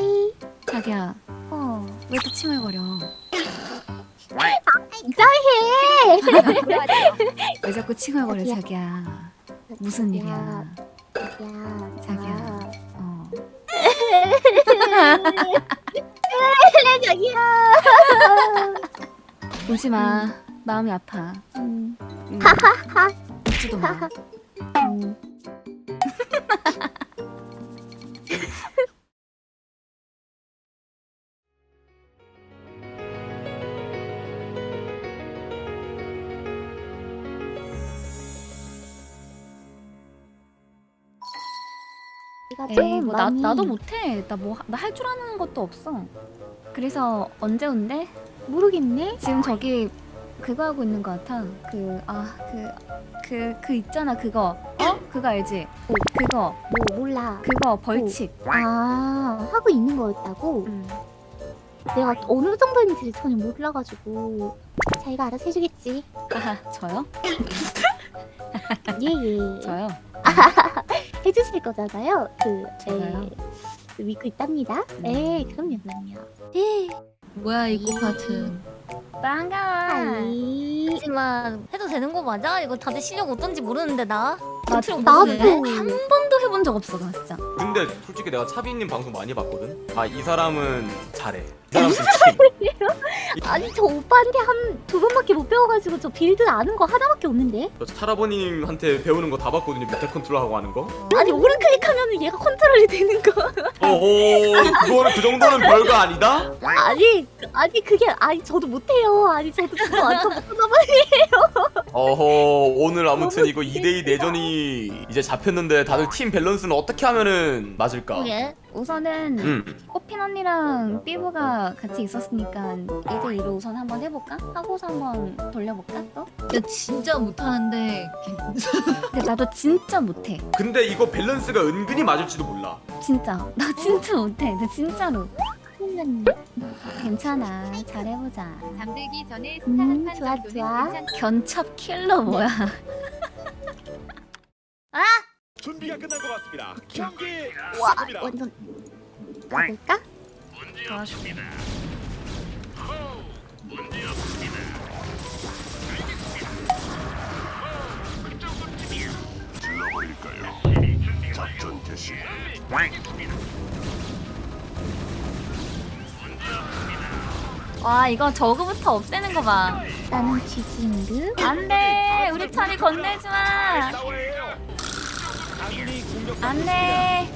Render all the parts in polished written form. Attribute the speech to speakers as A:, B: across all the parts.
A: 자기야, 왜 또 칭얼거려?
B: 인자해.
A: 왜 자꾸 칭얼거려, 자기야? 무슨 일이야? 자기야.
B: 자기야.
A: 울지 마. 마음이 아파. 웃지도 마. 에이, 뭐 나도 못해. 나 할 줄 아는 것도 없어. 그래서 언제 온대?
B: 모르겠네.
A: 지금 저기 그거 하고 있는 것 같아. 그 있잖아 그거. 그거 알지? 그거.
B: 몰라.
A: 그거 벌칙.
B: 하고 있는 거였다고? 내가 어느 정도인지를 전혀 몰라가지고 자기가 알아서 해주겠지.
A: 저요?
B: 예예.
A: 저요?
B: 해주실 거잖아요.
A: 제가요?
B: 믿고 있답니다. 그럼요.
C: 뭐야 이 꽃파트.
A: 반가워.
D: 하지만 해도 되는 거 맞아? 이거 다들 실력 어떤지 모르는데 나?
B: 나도.
A: 한 번도 해본 적 없어 나 진짜.
E: 근데 솔직히 내가 차비님 방송 많이 봤거든? 이 사람은 잘해. 이 사람 솔직히
B: 아니 저 오빠한테 한 두 번밖에 못 배워가지고 저 빌드 아는 거 하나밖에 없는데?
E: 저 차라버님한테 배우는 거 다 봤거든요. 밑에 컨트롤하고 하는 거.
B: 아니 오른 클릭하면은 얘가 컨트롤이 되는 거.
E: 그거는 그 정도는 별거 아니다?
B: 아니 저도 못해요. 저도 완전 못하나 봐요.
E: 오늘 아무튼 이거 2대2 내전이 이제 잡혔는데 다들 팀 밸런스는 어떻게 하면은 맞을까?
D: 예?
A: 우선은 꽃핀 언니랑 삐부가 같이 있었으니까 2대2로 우선 한번 해볼까? 하고서 한번 돌려볼까 또?
C: 나 진짜 못하는데
A: 근데 나도 진짜 못해.
E: 근데 이거 밸런스가 은근히 맞을지도 몰라.
A: 진짜 나 진짜 못해. 나 진짜로.
B: 그러면
A: 괜찮아. 잘해보자.
F: 잠들기 전에
B: 좋아.
A: 견첩 킬러 뭐야?
G: 준비가 끝난 것 같습니다. 경기
B: 와
G: 시작합니다.
B: 완전 가볼까?
G: 작전 개시.
A: 와 이거 저그부터 없애는 거 봐.
B: 나는 쥐징드.
A: 안돼 우리 차비 건들지 마.
G: 아군이 공격.
A: 안돼.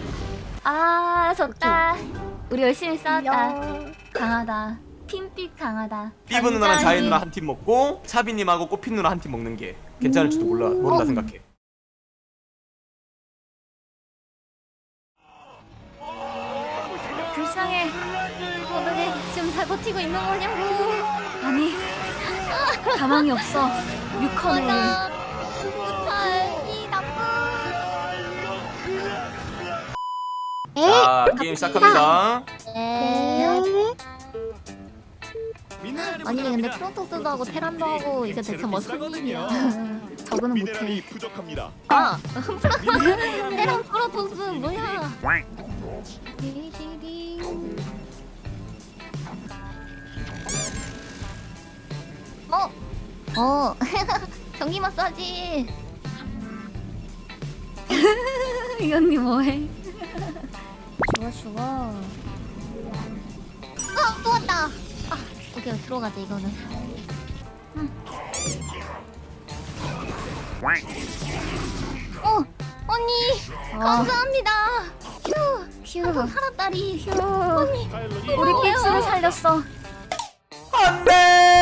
A: 졌다. 우리 열심히 싸웠다. 강하다. 팀픽 강하다.
E: 삐브 누나랑 자이 누나 한 팀 먹고 차비님하고 꽃핀 누나 한 팀 먹는 게 괜찮을지도 모른다 생각해.
A: 불쌍해.
D: 어떻게 지금 잘 버티고 있는 거냐고.
A: 아니 가망이 없어. 뮤커네.
D: 무탈 이 나쁜.
E: 자 게임 시작합니다.
D: 아니 근데 프로토스도 하고 테란도 하고 이게 대체 무슨 일이야?
A: 저거는 못해.
G: 미네랄이 부족합니다.
D: 테란 프로토스 뭐야? 전기 마사지.
A: 이 언니 뭐해?
D: 죽어. 또 왔다. 오케이 들어가자 이거는. 언니 감사합니다. 휴 살았다리. 휴 언니
A: 우리 픽스를 살렸어.
E: 안돼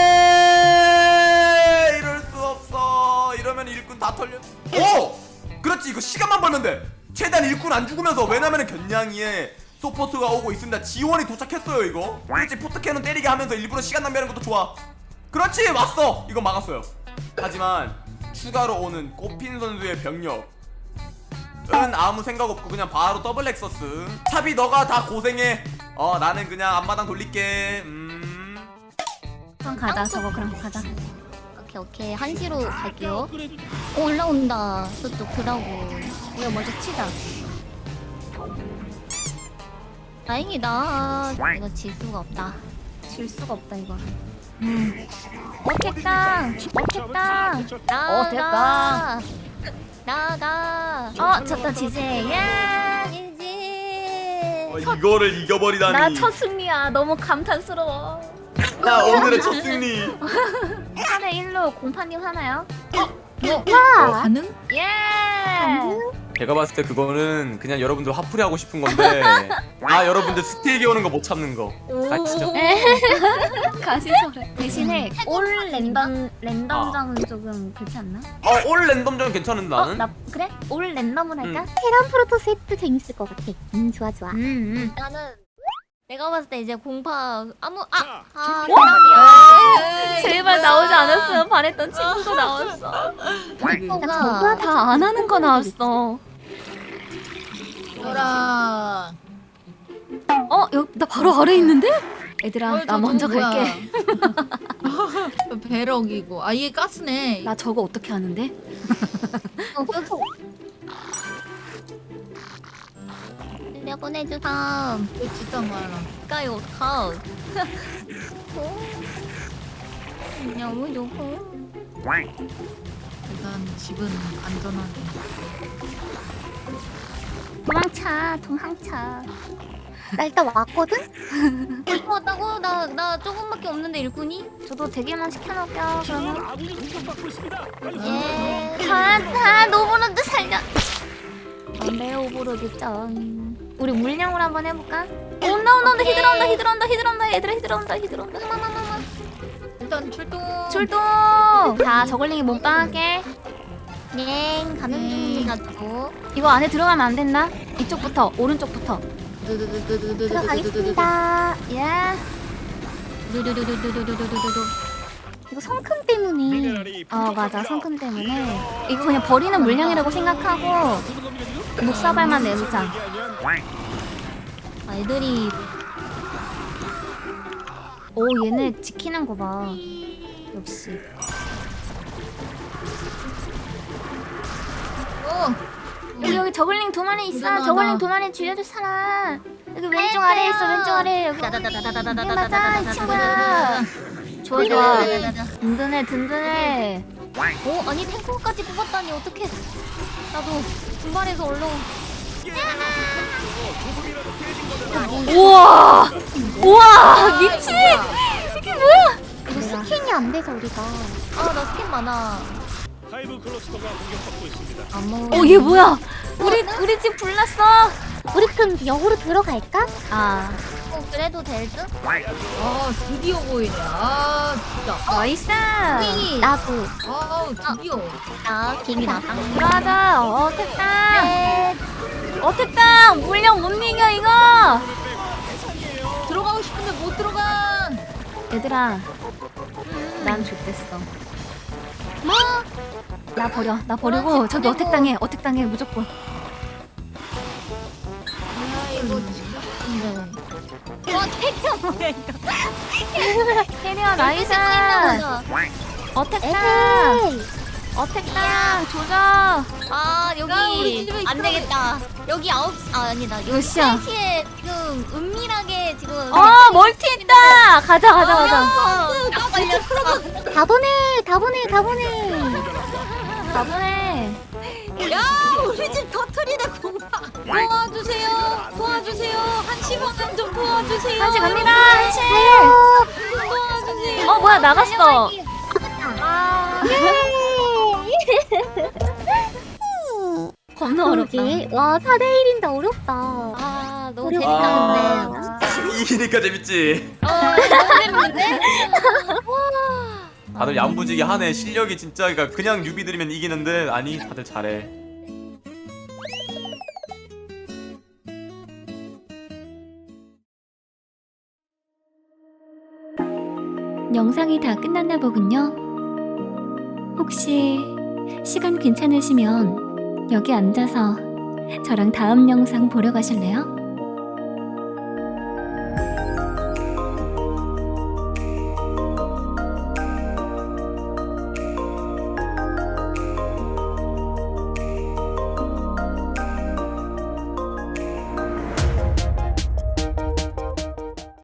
E: 이럴 수 없어. 이러면 일꾼 다 털려. 그렇지 이거 시간만 벌면 돼. 최대한 일꾼 안 죽으면서. 왜냐면은 견냥이에 소포트가 오고 있습니다. 지원이 도착했어요 이거. 그렇지 포트캐논 때리게 하면서 일부러 시간 낭비하는 것도 좋아. 그렇지 왔어. 이거 막았어요. 하지만 추가로 오는 꽃핀 선수의 병력은 아무 생각 없고 그냥 바로 더블 렉서스. 차비 너가 다 고생해. 나는 그냥 앞마당 돌릴게.
A: 그럼 가자. 저거 그럼 가자.
D: 오케이 1시로 갈게요. 올라온다. 저쪽 드라고.
A: 우리가 먼저 치자.
D: 다행이다. 이거 질 수가 없다.
A: 질 수가 없다 이거.
D: 어택당. 어택당. 나가. 나가.
A: 졌다 지제. 야
D: 지지.
E: 이거를 이겨버리다니.
A: 나 첫 승리야. 너무 감탄스러워.
E: 나 오늘의 첫 승리.
A: 3회 1로 공파님 하나요?
C: 가능?
A: 예.
E: 제가 봤을 때 그거는 그냥 여러분들 화풀이 하고 싶은 건데 여러분들 스틸기 오는 거 못 참는 거 아시죠?
A: 가시소래. 대신에 올 랜덤장은 조금 그렇지 않나?
E: 올 랜덤전 괜찮은 나는?
A: 나 그래? 올 랜덤을 할까?
B: 테란 프로토스도 재밌을 것 같아. 좋아 좋아.
D: 나는 내가 봤을 때 이제 공파 아무
G: 자,
D: 대란이야.
A: 제발 나오지 않았으면 바랬던 친구도 나왔어.
D: 공파가
A: 다 안 하는 거 나왔어.
C: 뭐라.
A: 여기 나 바로 아래 있는데? 얘들아 나 먼저 갈게.
C: 배럭이고. 아 이게 가스네.
A: 나 저거 어떻게 하는데?
D: 내보내주삼.
C: 진짜 말라.
D: 가요 가. 너무 좋고.
C: 일단 집은 안전하게.
A: 도망차.
B: 나 일단 왔거든?
D: 왔다고? 나 조금밖에 없는데 일꾼이?
A: 저도 대기만 시켜놓을게요. 그러면
G: 아군이 공격받고 있습니다.
D: 예.
A: 다 노브로드 살려. 안돼 오브로드 짱. 우리 물량으로 한번 해볼까? 온다 히드라 온다.
C: 일단 출동.
A: 출동. 자 저걸링이 몸빵할게.
D: 네, 가는 중입니다. 또.
A: 이거 안에 들어가면 안 된다. 이쪽부터 오른쪽부터.
B: 들어가겠습니다.
A: 예.
D: 두두두두두두두두두.
B: 이거 성큼 때문에.
G: 미네랄이
A: 맞아 성큼 때문에 이거 그냥 버리는 물량이라고 생각하고 목사발만 내놓자.
D: 애들이
A: 오 얘네 지키는 거 봐. 역시. 여기 저글링 두 마리 있어.
C: 대단하다.
A: 저글링 두 마리 죽여줄 사람. 여기 왼쪽 아래 있어. 왼쪽 아래 여기. 이게 맞아 이 친구야. 좋아. 든든해.
D: 오, 아니 탱커까지 뽑았다니 어떡해. 나도 분발해서 얼른.
A: 우와 미친.
B: 이거 스캔이 안 돼서 우리가.
D: 나 스킨 많아.
G: 하이브 클러스터가 공격받고 있습니다.
D: 안 먹어.
A: 얘 뭐야? 우리 집 불났어.
B: 우리 그럼 역으로 들어갈까?
D: 그래도 될 듯?
C: 드디어 보이네. 진짜.
A: 나이스.
B: 나도.
C: 드디어.
D: 김이 나당.
A: 들어가자. 어택당 물량 못 이겨 이거.
C: 들어가고 싶은데 못 들어간.
A: 얘들아 난 좋댔어.
D: 뭐?
A: 나 버리고 저기 어택당해 무조건. 캐리어 나이스. 어택당 조져.
D: 여기
C: 우리 집에
D: 안 되겠다. 여기 9시 아니다.
A: 몇 시야?
D: 3시에 지금 은밀하게 지금
A: 멀티했다. 가자.
D: 나 걸렸어.
B: 다 보내.
A: 가보네.
C: 야 우리 집 터트리네 공사. 도와주세요. 한시간 좀 도와주세요.
A: 한시 갑니다. 한시.
C: 도와주세요.
A: 뭐야 나갔어. 겁나 어렵다.
B: 그러게. 와 4대1인데 어렵다.
D: 너무
B: 어렵다.
D: 재밌다
E: 이기니까 재밌지.
D: 너무 재밌는데?
E: 다들 얌부지게 하네. 실력이 진짜 그냥 뉴비들이면 이기는데 아니 다들 잘해.
A: 영상이 다 끝났나 보군요. 혹시 시간 괜찮으시면 여기 앉아서 저랑 다음 영상 보러 가실래요?